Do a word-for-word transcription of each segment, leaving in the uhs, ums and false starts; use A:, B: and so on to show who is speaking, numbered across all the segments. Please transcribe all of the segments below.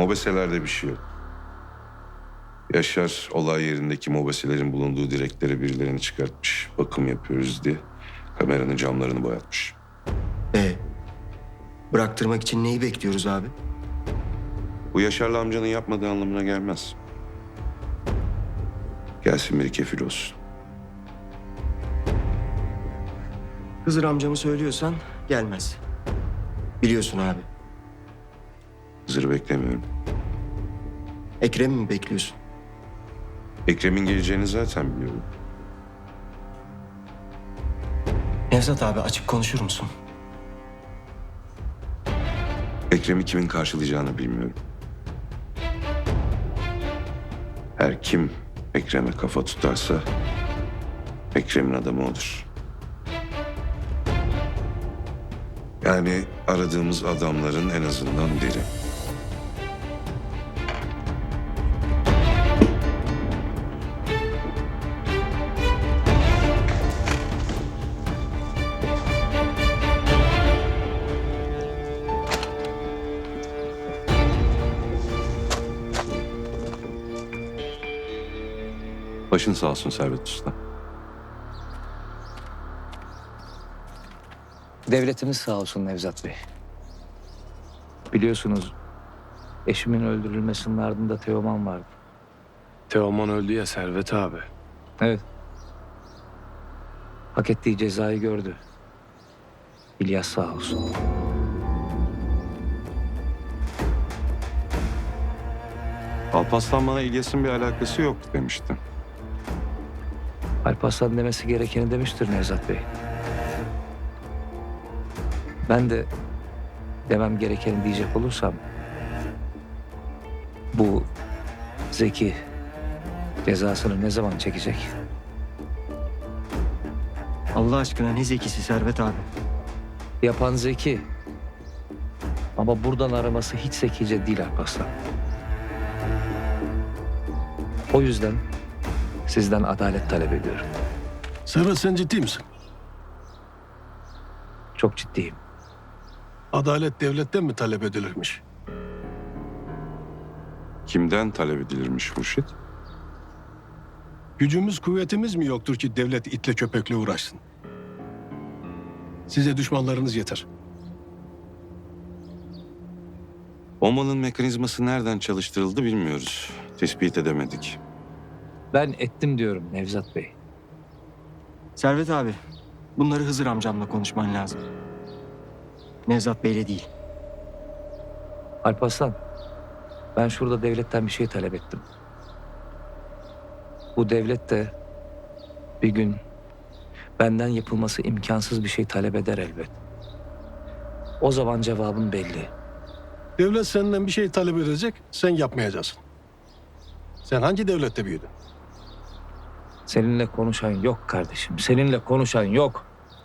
A: Mobeselerde bir şey yok. Yaşar olay yerindeki mobeselerin bulunduğu direklere birilerini çıkartmış. Bakım yapıyoruz diye kameranın camlarını boyatmış.
B: Ee, bıraktırmak için neyi bekliyoruz abi?
A: Bu Yaşar'la amcanın yapmadığı anlamına gelmez. Gelsin biri kefil olsun.
B: Hızır amcamı söylüyorsan gelmez. Biliyorsun abi.
A: Hızır'ı beklemiyorum.
B: Ekrem'i mi bekliyorsun?
A: Ekrem'in geleceğini zaten biliyorum.
B: Nevzat abi açık konuşur musun?
A: Ekrem'i kimin karşılayacağını bilmiyorum. Her kim Ekrem'e kafa tutarsa Ekrem'in adamı odur. Yani aradığımız adamların en azından biri. Başın sağ olsun Servet Usta.
C: Devletimiz sağ olsun Nevzat Bey. Biliyorsunuz eşimin öldürülmesinin ardında Teoman vardı.
D: Teoman öldü ya Servet abi.
C: Evet. Hak ettiği cezayı gördü. İlyas sağ olsun.
A: Alparslan bana İlyas'ın bir alakası yok demişti.
C: Alparslan demesi gerekeni demiştir Nevzat Bey. Ben de demem gerekeni diyecek olursam bu Zeki cezasını ne zaman çekecek?
B: Allah aşkına ne zekisi Servet abi.
C: Yapan Zeki. Ama buradan araması hiç zekice değil Alparslan. O yüzden sizden adalet talep ediyorum.
E: Servet sen ciddi misin?
C: Çok ciddiyim.
E: Adalet devletten mi talep edilirmiş?
A: Kimden talep edilirmiş Hurşit?
E: Gücümüz kuvvetimiz mi yoktur ki devlet itle köpekle uğraşsın? Size düşmanlarınız yeter.
A: Omanın mekanizması nereden çalıştırıldı bilmiyoruz. Tespit edemedik.
C: Ben ettim diyorum Nevzat Bey.
B: Servet abi, bunları Hızır amcamla konuşman lazım. Nevzat Bey'le değil.
C: Alparslan, ben şurada devletten bir şey talep ettim. Bu devlet de bir gün benden yapılması imkansız bir şey talep eder elbet. O zaman cevabım belli.
E: Devlet senden bir şey talep edecek, sen yapmayacaksın. Sen hangi devlette büyüdün?
C: Seninle konuşan yok kardeşim. Seninle konuşan yok.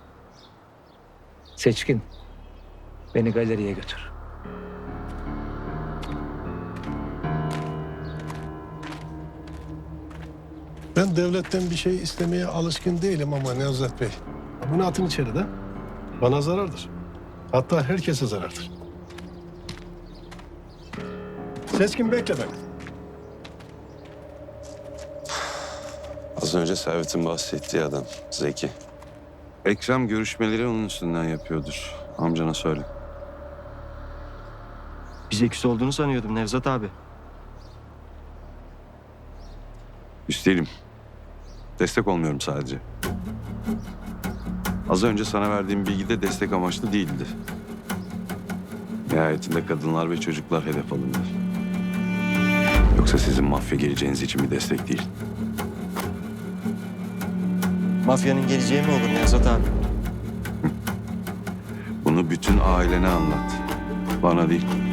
C: Seçkin, beni galeriye götür.
E: Ben devletten bir şey istemeye alışkın değilim ama Nevzat Bey. Bunu atın içeri de. Bana zarardır. Hatta herkese zarardır. Seçkin bekle beni.
A: Az önce Servet'in bahsettiği adam Zeki. Ekrem görüşmeleri onun üstünden yapıyordur. Amcana söyle.
B: Bir zekisi olduğunu sanıyordum Nevzat abi.
A: Üstelim. Destek olmuyorum sadece. Az önce sana verdiğim bilgi de destek amaçlı değildi. Nihayetinde kadınlar ve çocuklar hedef alındı. Yoksa sizin mafya geleceğiniz için bir destek değil.
B: Mafyanın geleceği mi olur Nevzat abi?
A: Bunu bütün ailene anlat. Bana değil.